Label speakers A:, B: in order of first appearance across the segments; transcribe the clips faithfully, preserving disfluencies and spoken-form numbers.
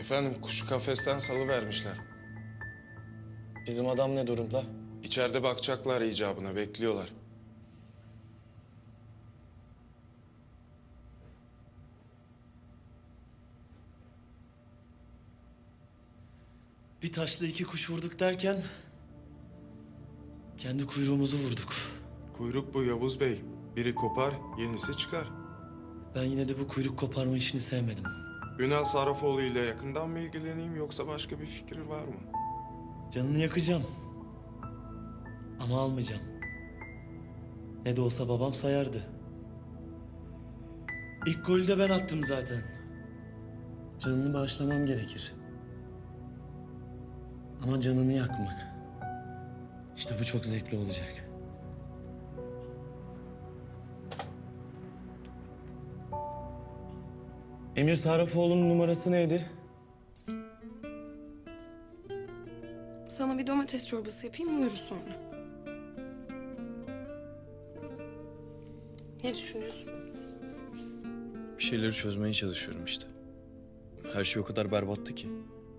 A: Efendim kuşu kafesten salıvermişler.
B: Bizim adam ne durumda?
A: İçeride bakacaklar icabına, bekliyorlar.
B: Bir taşla iki kuş vurduk derken... kendi kuyruğumuzu vurduk.
A: Kuyruk bu Yavuz Bey. Biri kopar, yenisi çıkar.
B: Ben yine de bu kuyruk koparma işini sevmedim.
A: Ünal Sarrafoğlu ile yakından mı ilgileneyim yoksa başka bir fikir var mı?
B: Canını yakacağım. Ama almayacağım. Ne de olsa babam sayardı. İlk golü de ben attım zaten. Canını bağışlamam gerekir. Ama canını yakmak. İşte bu çok zevkli olacak. Emir Sarrafoğlu'nun numarası neydi?
C: Sana bir domates çorbası yapayım, uyuruz sonra. Ne düşünüyorsun?
D: Bir şeyleri çözmeye çalışıyorum işte. Her şey o kadar berbattı ki.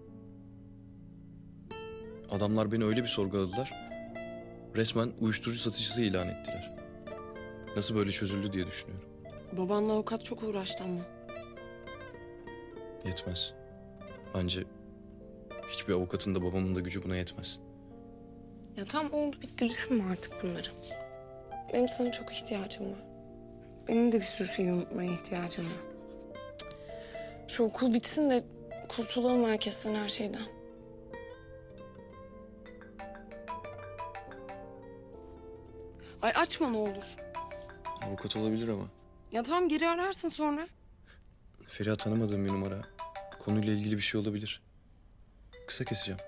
D: Adamlar beni öyle bir sorguladılar. Resmen uyuşturucu satıcısı ilan ettiler. Nasıl böyle çözüldü diye düşünüyorum.
C: Babanla avukat çok uğraştı ama.
D: Yetmez. Bence hiçbir avukatın da babamın da gücü buna yetmez.
C: Ya tam oldu bitti, düşünme artık bunları. Benim sana çok ihtiyacım var. Benim de bir sürü şeyi unutmaya ihtiyacım var. Şu okul bitsin de kurtulalım herkesten, her şeyden. Ay açma ne olur.
D: Avukat olabilir ama.
C: Ya tamam, geri ararsın sonra.
D: Feriha tanımadığım bir numara. Konuyla ilgili bir şey olabilir. Kısa keseceğim.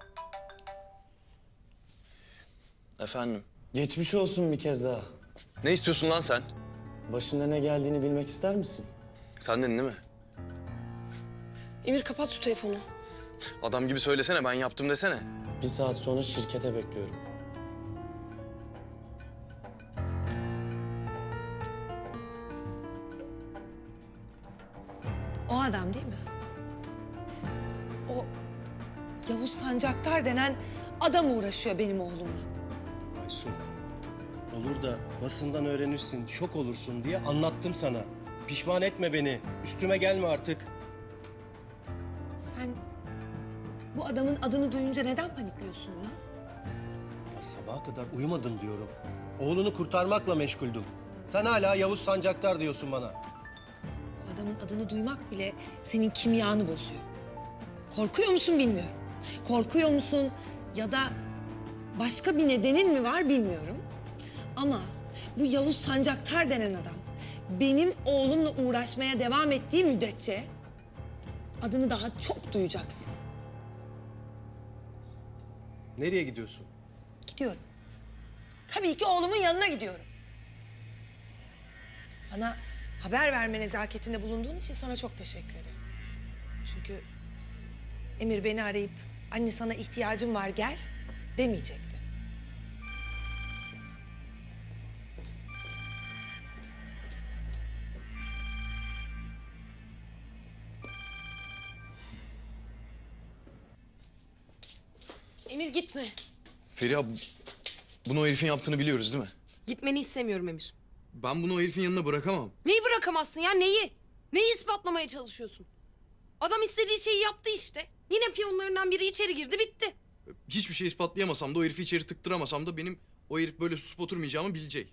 D: Efendim?
B: Geçmiş olsun bir kez daha.
D: Ne istiyorsun lan sen?
B: Başında ne geldiğini bilmek ister misin?
D: Sendin değil mi?
C: Emir kapat şu telefonu.
D: Adam gibi söylesene, ben yaptım desene.
B: Bir saat sonra şirkete bekliyorum.
E: O adam değil mi? O Yavuz Sancaktar denen adam uğraşıyor benim oğlumla.
F: Aysun, olur da basından öğrenirsin, şok olursun diye anlattım sana. Pişman etme beni, üstüme gelme artık.
E: Sen bu adamın adını duyunca neden panikliyorsun lan?
F: Ya sabaha kadar uyumadım diyorum. Oğlunu kurtarmakla meşguldüm. Sen hala Yavuz Sancaktar diyorsun bana.
E: Bu adamın adını duymak bile senin kimyanı bozuyor. Korkuyor musun bilmiyorum. Korkuyor musun ya da başka bir nedenin mi var bilmiyorum. Ama bu Yavuz Sancaktar denen adam benim oğlumla uğraşmaya devam ettiği müddetçe adını daha çok duyacaksın.
F: Nereye gidiyorsun?
E: Gidiyorum. Tabii ki oğlumun yanına gidiyorum. Bana haber verme nezaketinde bulunduğun için sana çok teşekkür ederim. Çünkü Emir beni arayıp anne sana ihtiyacım var gel demeyecekti.
C: Emir gitme.
D: Feriha, bunu o herifin yaptığını biliyoruz değil mi?
C: Gitmeni istemiyorum Emir.
D: Ben bunu o herifin yanına bırakamam.
C: Neyi bırakamazsın ya, neyi? Neyi ispatlamaya çalışıyorsun? Adam istediği şeyi yaptı işte. Yine piyonlarından biri içeri girdi, bitti.
D: Hiçbir şey ispatlayamasam da, o herifi içeri tıktıramasam da benim o herif böyle susup oturmayacağımı bilecek.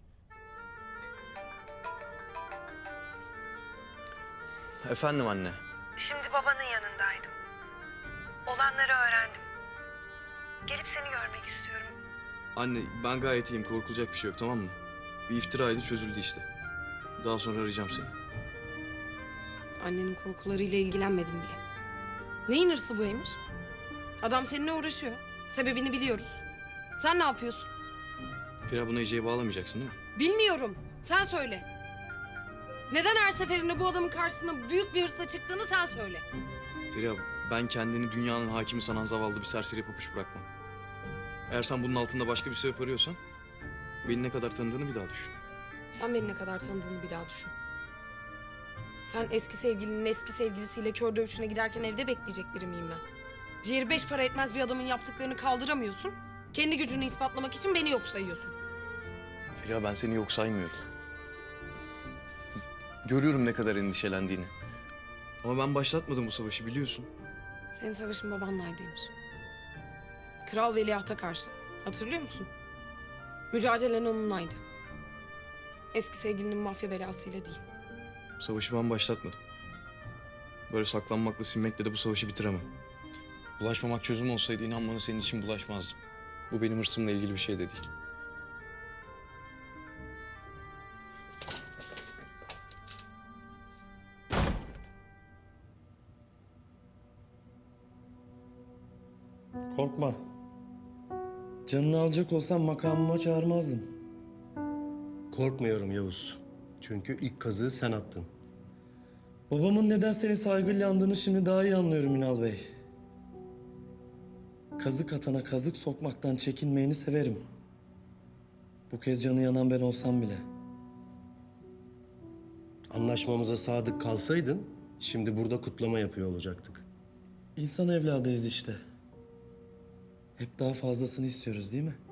D: Efendim anne.
E: Şimdi babanın yanındaydım. Olanları öğrendim. Gelip seni görmek istiyorum.
D: Anne, ben gayet iyiyim, korkulacak bir şey yok, tamam mı? Bir iftiraydı, çözüldü işte. Daha sonra arayacağım seni.
C: Annenin korkularıyla ilgilenmedim bile. Neyin hırsı bu Emir? Adam seninle uğraşıyor. Sebebini biliyoruz. Sen ne yapıyorsun?
D: Feriha, bunu Ece'ye bağlamayacaksın değil mi?
C: Bilmiyorum. Sen söyle. Neden her seferinde bu adamın karşısına büyük bir hırsa çıktığını sen söyle.
D: Feriha, ben kendini dünyanın hakimi sanan zavallı bir serseri papuç bırakmam. Eğer sen bunun altında başka bir sebep arıyorsan... beni ne kadar tanıdığını bir daha düşün.
C: Sen beni ne kadar tanıdığını bir daha düşün. Sen eski sevgilinin eski sevgilisiyle kör dövüşüne giderken evde bekleyecek biri miyim ben? Ciğeri beş para etmez bir adamın yaptıklarını kaldıramıyorsun. Kendi gücünü ispatlamak için beni yok sayıyorsun.
D: Feriha, ben seni yok saymıyorum. Görüyorum ne kadar endişelendiğini. Ama ben başlatmadım bu savaşı, biliyorsun.
C: Senin savaşın babanlaydıymış. Kral veliahta karşı. Hatırlıyor musun? Mücadelen onunlaydı. Eski sevgilinin mafya belasıyla değil.
D: Savaşı ben başlatmadım. Böyle saklanmakla, silmekle de bu savaşı bitiremem. Bulaşmamak çözüm olsaydı inan bana senin için bulaşmazdım. Bu benim hırsımla ilgili bir şey de değil.
B: Korkma. Canını alacak olsam makamıma çağırmazdım.
F: Korkmuyorum Yavuz. Çünkü ilk kazığı sen attın.
B: Babamın neden seni saygıyla andığını şimdi daha iyi anlıyorum Ünal Bey. Kazık atana kazık sokmaktan çekinmeyeni severim. Bu kez canı yanan ben olsam bile.
F: Anlaşmamıza sadık kalsaydın şimdi burada kutlama yapıyor olacaktık.
B: İnsan evladıyız işte. Hep daha fazlasını istiyoruz değil mi?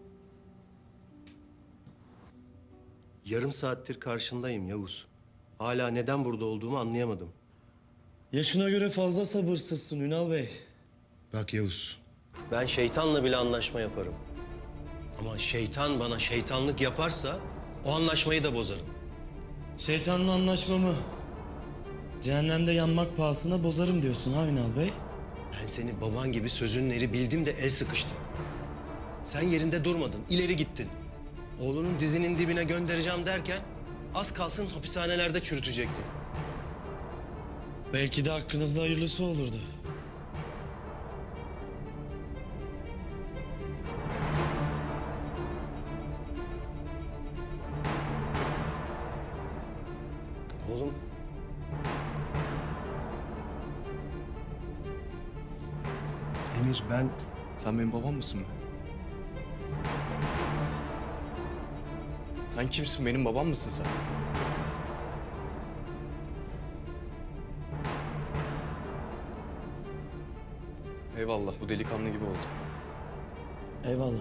F: Yarım saattir karşındayım Yavuz. Hala neden burada olduğumu anlayamadım.
B: Yaşına göre fazla sabırsızsın Ünal Bey.
F: Bak Yavuz, ben şeytanla bile anlaşma yaparım. Ama şeytan bana şeytanlık yaparsa o anlaşmayı da bozarım.
B: Şeytanla anlaşmamı cehennemde yanmak pahasına bozarım diyorsun ha Ünal Bey?
F: Ben seni baban gibi sözünün eri bildim de el sıkıştım. Sen yerinde durmadın, ileri gittin. Oğlunun dizinin dibine göndereceğim derken az kalsın hapishanelerde çürütecektin.
B: Belki de hakkınızda hayırlısı olurdu.
F: Oğlum. Emir ben
D: Sen benim babam mısın mı? Sen kimsin? Benim babam mısın sen? Eyvallah, bu delikanlı gibi oldu.
B: Eyvallah.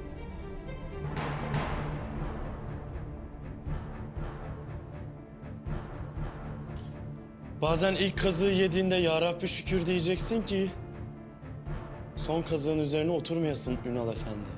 B: Bazen ilk kazığı yediğinde ya Rabbi şükür diyeceksin ki son kazığın üzerine oturmayasın Ünal Efendi.